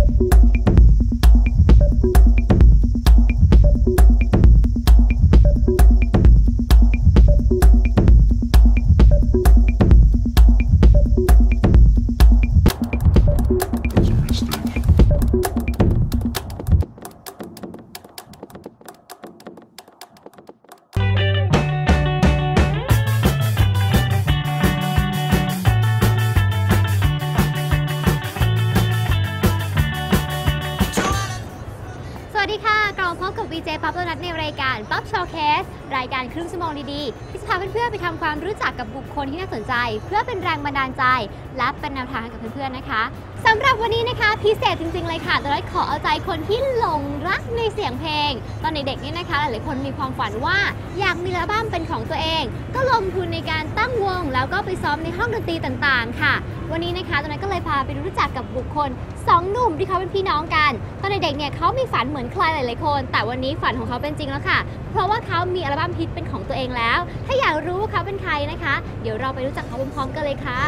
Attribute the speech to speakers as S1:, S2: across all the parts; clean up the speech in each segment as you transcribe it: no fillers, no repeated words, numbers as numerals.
S1: วีเจป๊อปโดนัทในรายการป๊อปโชว์เคสรายการครึ่งชั่วโมงดีๆที่จะพาเพื่อนๆไปทำความรู้จักกับบุคคลที่น่าสนใจเพื่อเป็นแรงบันดาลใจและเป็นแนวทางให้กับเพื่อนๆนะคะสำหรับวันนี้นะคะพิเศษจริงๆเลยค่ะโดนัทขอเอาใจคนที่หลงรักในเสียงเพลงตอนเด็กๆนี่นะคะหลายๆคนมีความฝันว่าอยากมีอัลบั้มเป็นของตัวเองก็ลงทุนในการตั้งวงแล้วก็ไปซ้อมในห้องดนตรีต่างๆค่ะวันนี้นะคะโดนัทก็เลยพาไปรู้จักกับบุคคล2 หนุ่มที่เขาเป็นพี่น้องกันตอนเด็กๆเนี่ยเขามีฝันเหมือนใครหลายๆคนแต่วันนี้ฝันของเขาเป็นจริงแล้วค่ะเพราะว่าเขามีอัลบั้มฮิตเป็นของตัวเองแล้วถ้าอยากรู้ว่าเขาเป็นใครนะคะเดี๋ยวเราไปรู้จักเขาพร้อมๆกันเลยค่ะ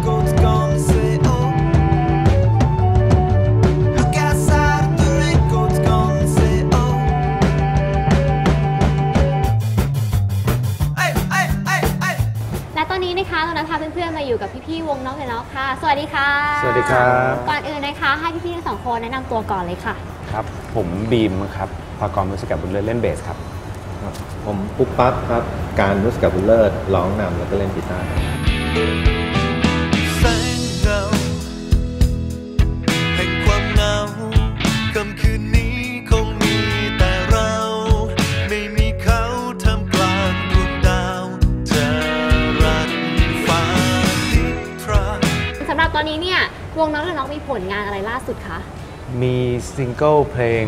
S1: และตอนนี้นะคะเราพาเพื่อนๆมาอยู่กับพี่ๆวงน้องเลยเนาะค่ะสวัสดีค่ะ
S2: สวัสดีครับ
S1: ก่อนอื่นนะคะให้พี่ๆทั้ง2 คนแนะนำตัวก่อนเลยค่ะ
S2: ครับผมบีมครับพากรมุสิกบุญเลิศเล่นเบสครับ
S3: ผมปุ๊บปั๊บครับการมุสิกบุญเลิศร้องนำแล้วก็เล่นกีตาร์แสงเงาแห่งความเหงาค่ำคืนนี้คงมีแต่เราไม่มีเขาทำกลางดวงดาวจะรันฟ้านิทรา
S1: สำหรับตอนนี้เนี่ยวงน้องและน้องมีผลงานอะไรล่าสุดคะ
S2: มีซิงเกิลเพลง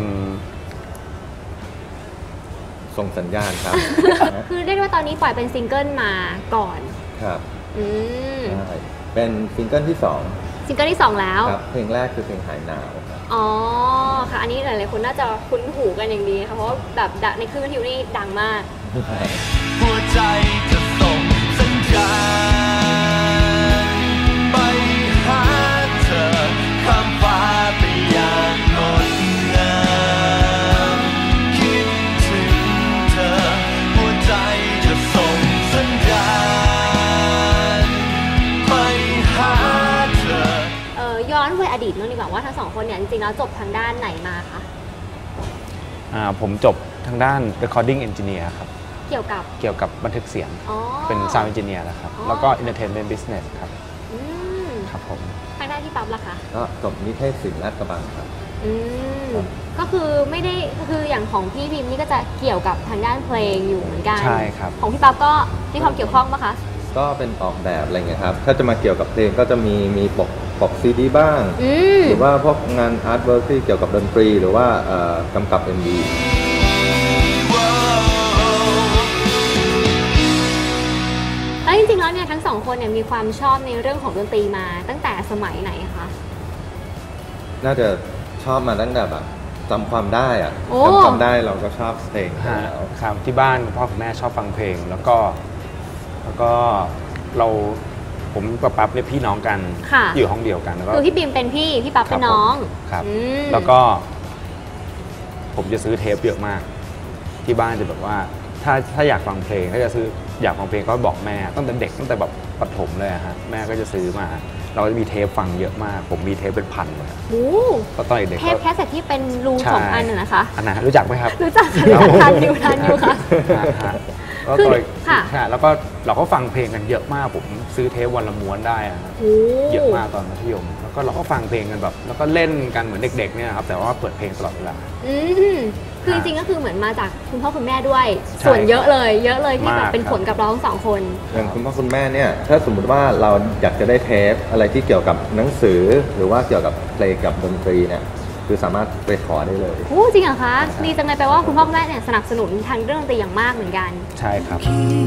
S3: ส่งสัญญาณครับ
S1: คือเรียกว่าตอนนี้ปล่อยเป็นซิงเกิลมาก่อน
S3: ครับใช่เป็นซิงเกิลที่2
S1: ซิงเกิลที่2แล้ว
S3: ครับเพลงแรกคือเพลงหายหนาวครับ
S1: อ๋อค่ะอันนี้หลายๆคนน่าจะคุ้นหูกันอย่างดีค่ะเพราะแบบในคลื่นวิทยุนี่ดังมากหัวใจจะส่งสัญญาณไปหาเธอข้ามฟ้าไปอย่างงดงามคิดถึงเธอหัวใจจะส่งสัญญาณไปหาเธอย้อนไปอดีตนู่นดีกว่าว่าทั้ง2 คนเนี่ยจริงๆแล้วจบทางด้านไหนมาคะ
S2: ผมจบทางด้าน recording engineer ครับ
S1: เกี่ยว
S2: กับบันทึกเสียงเป็น sound engineer นะครับแล้วก็ entertainment business ครับครับผม
S1: ทางด้านที่ปั๊บล่ะคะ
S3: ก็จบนิเทศศิลป์ลาดกระบังครับ
S1: ก็คือไม่ได้คืออย่างของพี่พิมนี่ก็จะเกี่ยวกับทางด้านเพลงอยู่เหมือนกัน
S2: ใช่ครับ
S1: ของพี่ปั๊บก็มีความเกี่ยวข้องปะคะ
S3: ก็เป็นออกแบบอะไรเงี้ยครับถ้าจะมาเกี่ยวกับเพลงก็จะมีปกซีดีบ้างหรือว่าพวกงานอาร์ตเวิร์คที่เกี่ยวกับดนตรีหรือว่ากำกับ MV
S1: แล้วจริงๆแล้วเนี่ยทั้ง2 คนเนี่ยมีความชอบในเรื่องของดนตรีมาตั้งแต่สมัยไหนคะ
S3: น่าจะชอบมาตั้งแต่แบบจำความได้อะจำความได้เราก็ชอบเพลงแล้ว
S2: ครับที่บ้านพ่อกับแม่ชอบฟังเพลงแล้วก็ผมกับปั๊บเนี่ยพี่น้องกันอยู่ห้องเดียวกันแล้วก็
S1: คือพี่บีมเป็นพี่ปั๊บเป็นน้อง
S2: ครับแล้วก็ผมจะซื้อเทปเยอะมากที่บ้านจะแบบว่าถ้าอยากฟังเพลงถ้าจะซื้ออยากฟังเพลงก็บอกแม่ตั้งแต่เด็กตั้งแต่แบบประถมเลยฮะแม่ก็จะซื้อมาเราจะมีเทปฟังเยอะมากผมมีเทปเป็นพันเลย
S1: โอ้
S2: ตอนเด็ก
S1: เทปแคสเซ็ตที่เป็นรู2 อันนะคะ
S2: อันไหนรู้จักไหมครับ
S1: รู้จักทานอยู่ค่ะ
S2: แล้วก็แล้วก็เราก็ฟังเพลงกันเยอะมากผมซื้อเทปวันละม้วนได้ครับเยอะมากตอนมัธยมแล้วก็เราก็ฟังเพลงกันแบบแล้วก็เล่นกันเหมือนเด็กๆเนี่ยครับแต่ว่าเปิดเพลงตลอดเวลา
S1: คือจริงๆก็คือเหมือนมาจากคุณพ่อคุณแม่ด้วยส่วนเยอะเลยที่แบบเป็นผลกับเราทั้ง2 คน
S3: อย่างคุณพ่อคุณแม่เนี่ยถ้าสมมติว่าเราอยากจะได้เทปอะไรที่เกี่ยวกับหนังสือหรือว่าเกี่ยวกับเพลงกับดนตรีเนี่ยคือสามารถไปขอได้เลย
S1: โอ้จริงเหรอคะดีจังเลยแปลว่าคุณพ่อคุณแม่เนี่ยสนับสนุนทางเรื่องดนตรีอย่างมากเหมือนกัน
S2: ใช่ครับ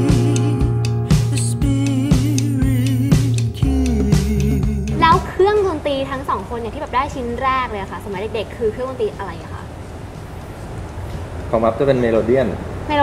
S1: แล้วเครื่องดนตรีทั้ง2 คนเนี่ยที่แบบได้ชิ้นแรกเลยค่ะสมัยเด็กๆคือเครื่องดนตรีอะไรอะคะ
S3: ของมัฟจะเป็นเมโลเดียน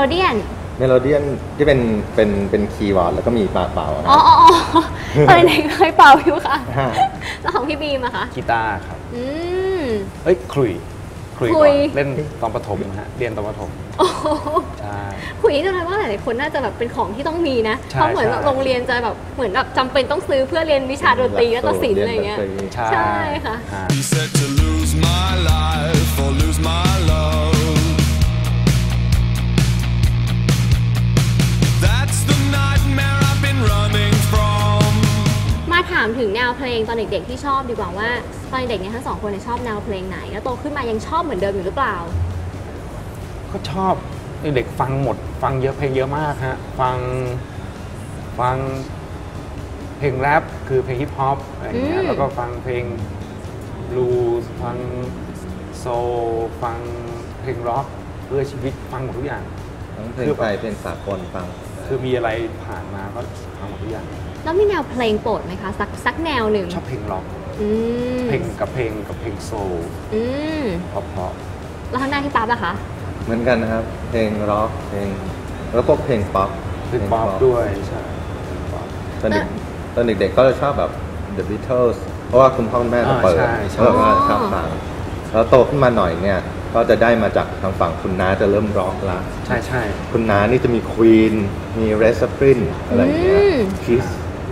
S3: ที่เป็นคีย์บอร์ดแล้วก็มีเป่า
S1: อ๋อตอนเด็กเคยเป่าอยู่ค่ะแล้วของพี่บีมอะคะ
S2: กีตาร์ครับเอ้ยขลุ่ย
S1: ขลุ่
S2: ก่อน
S1: ย
S2: เล่นตอนประถมนะฮะเรียนตอนประถม
S1: โอ้โห
S2: ใช่
S1: คุยกันเลยว่าหลายๆคนน่าจะแบบเป็นของที่ต้องมีนะ
S2: ใช่
S1: เพราะเหมือนแบบ
S2: ใช่
S1: โรงเรียนจะแบบเหมือนแบบจำเป็นต้องซื้อเพื่อเรียนวิชาดนตรีและก็ศิลป์อะไรอย่างเงี้ย
S2: ใช่
S1: ใช่ค่ะ
S2: ฮะ
S3: He said to lose my life or lose my love. That's the nightmare I've been running from.
S1: มาถามถึงแนวเพลงตอนเด็กๆที่ชอบดีกว่าว่าตอนเด็กเนี่ยทั้งสองคนเนี่ยชอบแนวเพลงไหนแล้วโตขึ้นมายังชอบเหมือนเดิมอยู่หรือเปล่า
S2: ก็ชอบเด็กฟังหมดฟังเยอะเพลงเยอะมากฮะฟังเพลงแรปคือเพลงฮิปฮอปอะไรอย่างเงี้
S1: อื
S2: ย
S1: ม
S2: แล้วก็ฟังเพลงบลูส์ฟังโซลฟังเพลงร็อกเพื่อชีวิตฟังหมดทุกอย่าง
S4: ทั้งเพลงไทยเพลงสากลฟัง
S2: คือมีอะไรผ่านมาก็ฟังหมดทุกอย่าง
S1: แล้วมีแนวเพลงโปรดไหมคะสักแนวหนึ่ง
S2: ชอบเพลงร็อก
S1: อืม
S2: เพลงโซล
S1: อืม
S2: เพราะ
S1: แล้วทางด้านที่ป๊าบอะคะ
S4: เหมือนกันนะครับ เพลงร็อกเพลงแล้วพวกเพลงป๊อป
S2: เพลงป๊อปด้วยใช่เพลงป๊อป
S4: ตอนเด็กๆก็จะชอบแบบ The Beatles เพราะว่าคุณพ่อคุณแม่จะเปิด
S2: ใช่ใช่
S4: แล้วก็ชอบฟังแล้วโตขึ้นมาหน่อยเนี่ย ก็จะได้มาจากทางฝั่งคุณน้าจะเริ่มร็อกละ
S2: ใช่ใช่
S4: คุณน้านี่จะมี Queen มี Red Zeppelin อะไรอย่างเงี้ย Kiss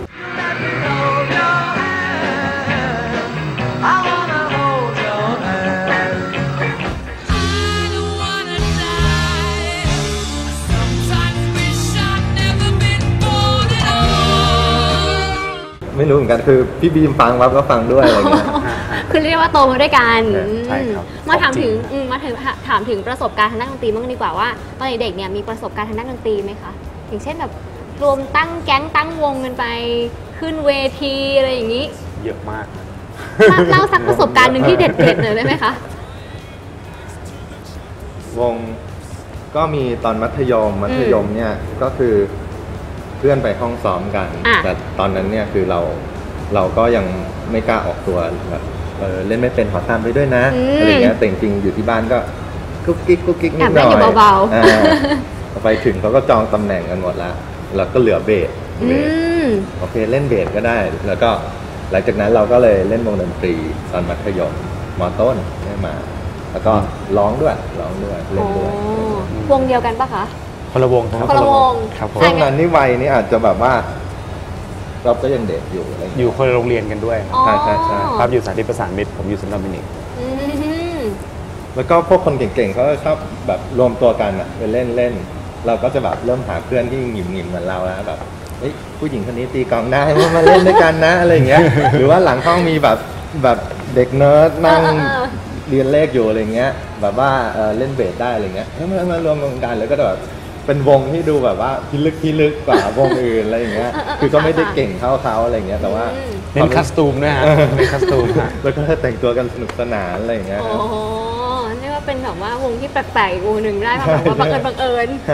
S5: I don't wanna die. Sometimes wish I'd never been born at all.
S4: ไม่รู้เหมือนกันคือพี่บีมฟังแล้วก็ฟังด้วยอะไรเงี้ย
S1: คือเรียกว่าโตมาด้วยกัน
S2: ใช่ครับ
S1: มาถามถึง
S2: ของจริง
S1: ถามถึงประสบการณ์ทางด้านดนตรีบ้างดีกว่าว่าตอนเด็กๆเนี่ยมีประสบการณ์ทางด้านดนตรีไหมคะอย่างเช่นแบบรวมตั้งแก๊งตั้งวงกันไปขึ้นเวทีอะไรอย่างนี้
S2: เยอะมาก
S1: เล่าสักประสบการณ์หนึ่งที่เด็ดๆหน่อยได้ไหมคะ
S4: วงก็มีตอนมัธยมเนี่ยก็คือเพื่อนไปห้องซ้อมกัน
S1: อ่ะ
S4: แต่ตอนนั้นเนี่ยคือเราก็ยังไม่กล้าออกตัวแบบเล่นไม่เป็นขอตามไปด้วยนะอะไรเงี้ยแต่จริงๆอยู่ที่บ้านก็กุ๊กกิ๊กนิดหน่อย
S1: แอบเล่นอยู่เบาๆ
S4: อ่พอไปถึงเขาก็จองตำแหน่งกันหมดแล้วเราก็เหลือเบส
S1: อืม
S4: โอเคเล่นเบสก็ได้ แล้วก็หลังจากนั้นเราก็เลยเล่นวงดนตรีตอนมัธยมมต้นได้มา แล้วก็ร้องด้วยเล่นด้วย
S1: อ๋อวงเดียวกันปะคะ
S2: คนละวงครับ
S1: คนละวง
S2: ครับผม
S1: ใช่
S4: ช่วงนั้นนี่วัยนี่อาจจะแบบว่า เราก็ยังเด็กอยู่อะไร
S2: อยู่คนละโรงเรียนกันด้วย
S1: อ๋อ
S4: ใช่
S2: ครับอยู่สาธิตประสานมิตรผมอยู่เซนต์โดมินิก
S1: อืม
S4: แล้วก็พวกคนเก่งๆเขาก็ชอบแบบรวมตัวกันอะไปเล่นเราก็จะแบบเริ่มหาเพื่อนที่หงิมๆเหมือนเราแล้วแบบเฮ้ยผู้หญิงคนนี้ตีกลองได้มาเล่นด้วยกันนะอะไรอย่างเงี้ย หรือว่าหลังห้องมีแบบเด็กเนิร์ดนั่ง เรียนเลขอยู่อะไรเงี้ยแบบว่าเล่นเบสได้อะไรเงี้ยแล้วมารวมกันแล้วก็แบบเป็นวงที่ดูแบบว่าพิลึกกว่าวงอื่นอะไรอย่างเงี้ยคือก็ไม่ได้เก่งเท่าเขาอะไรเงี้ยแต่ว่า
S2: เล่นคัสตูมด้วยฮะเล่นคัสตูมฮะ
S4: แล้วก็แต่งตัวกันสนุกสนานอะไรอย่างเงี้ย
S1: โอ้โหเรียกว่าเป็นแบบว่าวงที่แปลกๆอีกวงหนึ่งได้มาแบบว่าบังเอิญ
S4: ใช่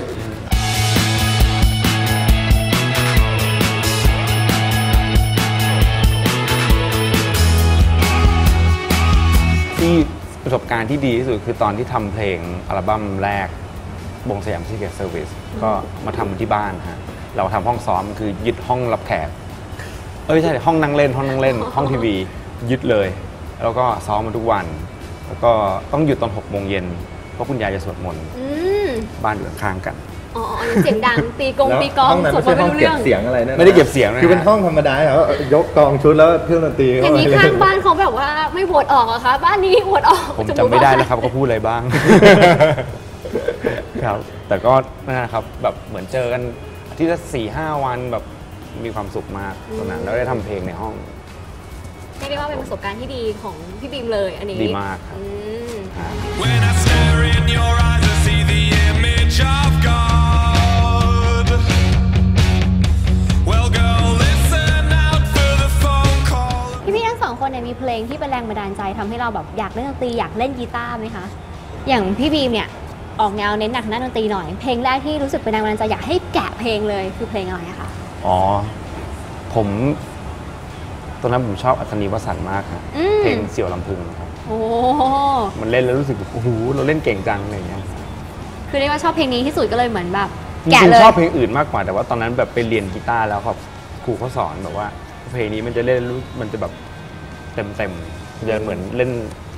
S2: ที่ประสบการณ์ที่ดีที่สุดคือตอนที่ทำเพลงอัลบั้มแรกวงสยามซีเกตเซอร์วิสก็มาทำที่บ้านฮะเราทำห้องซ้อมคือยึดห้องรับแขกไม่ใช่ห้องนั่งเล่น ห้องทีวียึดเลย แล้วก็ซ้อมมาทุกวัน แล้วก็ต้องหยุดตอน6 โมงเย็นเพราะคุณยายจะสวดมนต์
S1: อืม
S2: บ้านอยู่ข้างๆกัน
S1: อ๋อเสียงดังตีกอง
S4: แล้ว
S1: ตีกอง
S4: ห้องนั้น
S1: สว
S4: ไม่
S1: ดม
S4: ใช่
S1: นต์
S4: ห้อง
S1: ไม่รู้
S4: เก็
S1: เรื่
S4: บ
S1: อง
S4: เสียงอะไรนะ
S2: ไม่ได้เก็บเสียงนะ
S4: คือเป็นห้องธรรมดาแล้วยกกองชุดแล้วเครื่องดนตรี
S1: อ
S4: เข้า
S1: ย่าง
S4: ไป
S1: นี้ข้างบ้านเขาแบบว่าไม่โหวตออกเหรอะคะบ้านนี้โหวตออก
S2: ผมจำไม่ได้แล้วครับเขาพูดอะไรบ้าง ครับ แต่ก็นั่นนะครับแบบเหมือนเจอกันอาทิตย์ละ4-5 วันแบบมีความสุขมากตอนนั้นแล้วได้ทำเพลงในห้อง
S1: เรียกได้ว่าเป็นประสบการณ์ที่ดีของพี่บีมเลยอันนี้
S2: ดีมากครับ
S1: อืม
S3: When I stare in your eyes, I see the image of God. Well, girl, listen out for the phone call.
S1: พี่ทั้งสองคนเนี่ยมีเพลงที่เป็นแรงบันดาลใจทำให้เราแบบอยากเล่นดนตรีอยากเล่นกีตาร์ไหมคะอย่างพี่บีมเนี่ยออกแนวเน้นหนักทางด้านดนตรีหน่อยเพลงแรกที่รู้สึกเป็นแรงบันดาลใจอยากให้แกะเพลงเลยคือเพลงอะไรอะคะ
S2: อ๋อผมตอนนั้นผมชอบอัศนีวสันต์มากครับเพลงเสี่ยวลำพึงครับ
S1: โอ้
S2: มันเล่นแล้วรู้สึกแบบโอ้โหเราเล่นเก่งจังอะไรอย่างเงี้ย
S1: คือเรียกว่าชอบเพลงนี้ที่สุดก็เลยเหมือนแบบ
S2: จ
S1: แกะ
S2: ริง
S1: เล
S2: ๆ
S1: ย
S2: ชอบเพลงอื่นมากกว่าแต่ว่าตอนนั้นแบบไปเรียนกีตาร์แล้วครับครูเขาสอนแบบว่าเพลงนี้มันจะเล่นรู้มันจะแบบเต็มๆจะเหมือนเล่น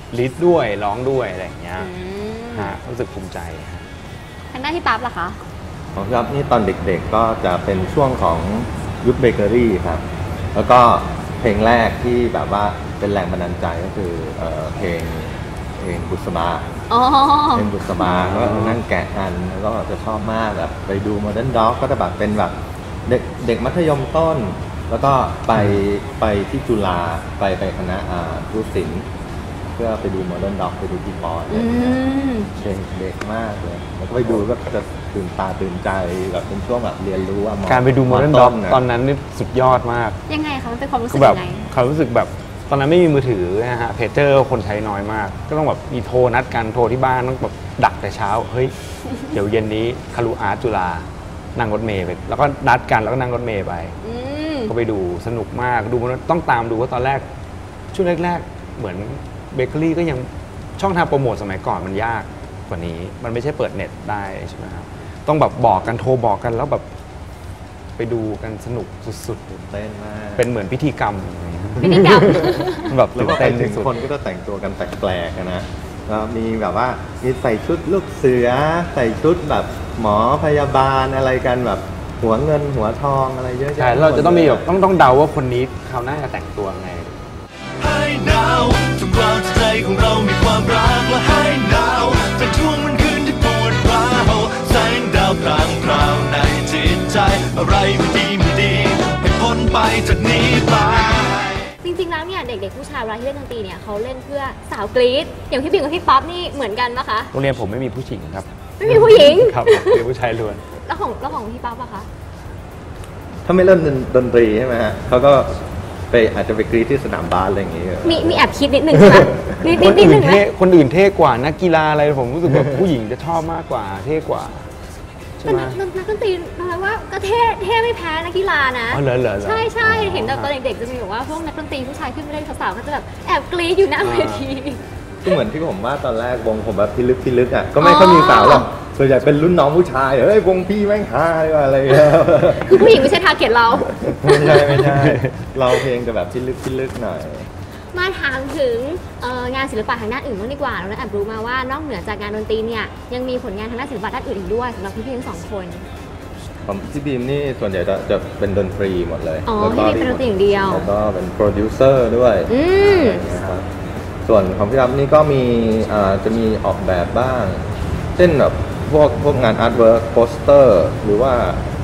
S2: ลิดด้วยร้องด้วยอะไรอย่างเงี้ย
S1: อืม
S2: ฮะรู้สึกภูมิใจฮะ
S1: ทางด้านพี่ปั๊บล่ะคะ
S4: ของพี่อ๊อฟนี่ตอนเด็กๆก็จะเป็นช่วงของยุคเบเกอรี่ครับ แล้วก็เพลงแรกที่แบบว่าเป็นแรงบันดาลใจก็คือเพลงบุษบา
S1: อ๋อ
S4: เพลงบุษบาก็นั่งแกะกันแล้วก็จะชอบมากแบบไปดูโมเดิร์นด็อกก็จะแบบเป็นแบบเด็กมัธยมต้น แล้วก็ไปที่จุฬาไปคณะรูศิลป์เพื่อไปดูโมเดิร์นด็อกไปดูพี่ปอนอะไร
S1: อื
S4: อย่างเงี้ย
S1: ม
S4: เด็กมากเลยแล้วก็ไปดูก็จะตื่นตาตื่นใจแบบเป็นช่วงแบบเรียนรู้ว่า
S2: การไปดูโมเดิร์นด็อกตอนนั้นนี่สุดยอดมาก
S1: ยังไงคะมันเป็นความรู้สึ
S2: คื
S1: ก
S2: อแบบ
S1: ยังไง
S2: เขารู้สึกแบบตอนนั้นไม่มีมือถือนะฮะเพจเจอร์คนใช้น้อยมาก ก็ต้องแบบมีโทรนัดกันโทรที่บ้านต้องแบบดักแต่เช้าเฮ้ย เดี๋ยวเย็นนี้คารุอาร์ตจุฬานั่งรถเมล์ไปแล้วก็นัดกันแล้วก็นั่งรถเมล์ไป
S1: อืม
S2: ก็ไปดูสนุกมากดูมันต้องตามดูว่าตอนแรกช่วงแรกๆเหมือนเบเกอรี่ก็ยังช่องทางโปรโมทสมัยก่อนมันยากกว่านี้ มันไม่ใช่เปิดเน็ตได้ใช่ไหมครับต้องแบบบอกกันโทรบอกกันแล้วแบบไปดูกันสนุกสุด
S4: ตื่นเต้นมาก
S2: ๆ เป็นเหมือนพิธีกรรม
S1: พิธีกรรม
S2: แบบ
S4: แล้ว
S2: ตื่
S4: ก็
S2: น
S4: ไป
S2: เต้น
S4: ถึ
S2: ที่
S4: ง
S2: สุด
S4: คนก็จะแต่งตัวกันแปลกๆนะแล้วมีแบบว่ามีใส่ชุดลูกเสือใส่ชุดแบบหมอพยาบาลอะไรกันแบบหัวเงินหัวทองอะไรเยอะแยะ
S2: ใช่เราจะต้องมีแบบต้องเดาว่าคนนี้เขาวหน้าจะแต่งตัวไง
S3: ให้หนาวจงกลางใจของเรามีความรักและให้หนาวเป็นช่วงวันคืนที่ปวดร้าวแสงดาวพรางพราวในจิตใจอะไรไม่ดีให้พ้นไปจากนี้ไป
S1: จริงๆแล้วเนี่ยเด็กๆผู้ชายเวลาที่เล่นดนตรีเนี่ยเขาเล่นเพื่อสาวกรี๊ดอย่างพี่ปิ่นกับพี่ป๊อปนี่เหมือนกันปะคะ
S2: โรงเรียนผมไม่มีผู้หญิงครับ
S1: ไม่มีผู้หญิง
S2: ครับเป็นผู้ชายล้วน
S1: แล้วของพี่ป๊อปอะคะ
S4: ถ้าไม่เล่นดนตรีใช่ไหมฮะเขาก็ไปอาจจะไปกรีดที่สนามบาสอะไรอย่างเงี้ย
S1: มีแอบคิดนิดนึงใช่ไหมนิด
S2: คน
S1: นิด
S2: อื่
S1: นึ
S2: น
S1: งไหม
S2: เท่คนอื่นเท่กว่านักกีฬาอะไรผมรู้สึกแบบผู้หญิงจะชอบมากกว่าเท่กว่าใช่
S1: แต่
S2: ไหม
S1: นักดนตรีนะคะว่าก็เท่ไม่แพ้นักกีฬานะ
S2: อ๋อเหรอ
S1: ใช่ใช่เห็นแบบตอนเด็กๆจะมีแบบว่าพวกนักดนตรีผู้ชายขึ้นไปเล่นสาวๆก็จะแบบแอบกรี๊ดอยู่หน้าเวที
S4: ก็เหมือนที่ผมว่าตอนแรกวงผมแบบพิลึกอ่ะก็ไม่ค่อยมีสาวหรอกส่วนใหญ่เป็นรุ่นน้องผู้ชายเฮ้ยวงพี่แม่งฮาเลยว่ะอะไรอย่างเงี้ย
S1: คือผู้หญิงไม่ใช่ทาร์เก็ตเรา
S4: ไม่ใช่เราเพลงจะแบบพิลึกหน่อย
S1: มาถามถึงงานศิลปะทางด้านอื่นบ้างดีกว่าเราได้แอบรู้มาว่านอกเหนือจากงานดนตรีเนี่ยยังมีผลงานทางด้านศิลปะด้านอื่นอีกด้วยสำหรับพี่ๆทั้งสองคน
S4: ผมพี่บีมนี่ส่วนใหญ่จะเป็นดนตรีหมดเลย
S1: อ๋อ
S4: แล้วก็
S1: พี่บีมเป็นดนตรีอย่างเดียว
S4: แล้วก็เป็นโปรดิวเซอร์ด้วย
S1: อืม
S4: อะไรอย่างเงี้ยครับส่วนของพี่รับนี่ก็มีจะมีออกแบบบ้าง เช่นแบบพวกงานอาร์ตเวิร์กโปสเตอร์หรือว่า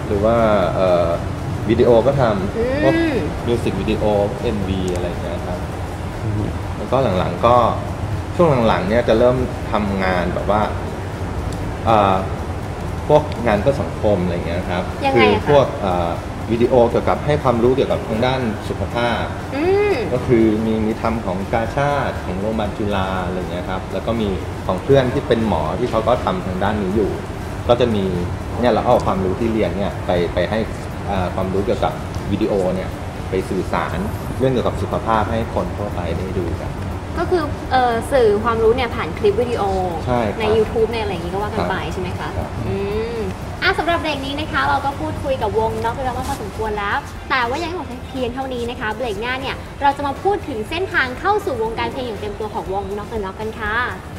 S4: วิดีโอก็ทำพวกมิวสิกวิดีโอ MV อะไรอย่างเงี้ยครับ แล้วก็หลังๆก็ช่วงหลังๆเนี่ยจะเริ่มทำงานแบบว่าพวกงานเพื่อสังคมอะไรอย่างเงี้ยครับ
S1: ยังไงอะคะ
S4: พวกวิดีโอเกี่ยวกับให้ความรู้เกี่ยวกับทางด้านสุขภาพ
S1: อืม
S4: ก็คือมีทำของกาชาติของโรงพยาบาลจุฬาอะไรอย่างเงี้ยครับแล้วก็มีของเพื่อนที่เป็นหมอที่เขาก็ทำทางด้านนี้อยู่ ก็จะมีเนี่ยเราเอาความรู้ที่เรียนเนี่ยไปให้ความรู้เกี่ยวกับวิดีโอเนี่ยไปสื่อสารเรื่องเกี่ยวกับสุขภาพให้คนทั่วไปได้ดูกัน
S1: ก็คือสื่อความรู้เนี่ยผ่านคลิปวิดีโอ
S4: ใช่ครับ
S1: ใน YouTube ในอะไรอย่างนี้ก็ว่ากันไปใช่ไหมคะ
S4: ครับ
S1: อืมสำหรับเบรกนี้นะคะ เราก็พูดคุยกับวงน็อกไปแล้วมาพอสมควรแล้ว แต่ว่ายังไม่หมดเพียงเท่านี้นะคะเบรกหน้าเนี่ยเราจะมาพูดถึงเส้นทางเข้าสู่วงการเพลงอย่างเต็มตัวของวงน็อกกันค่ะ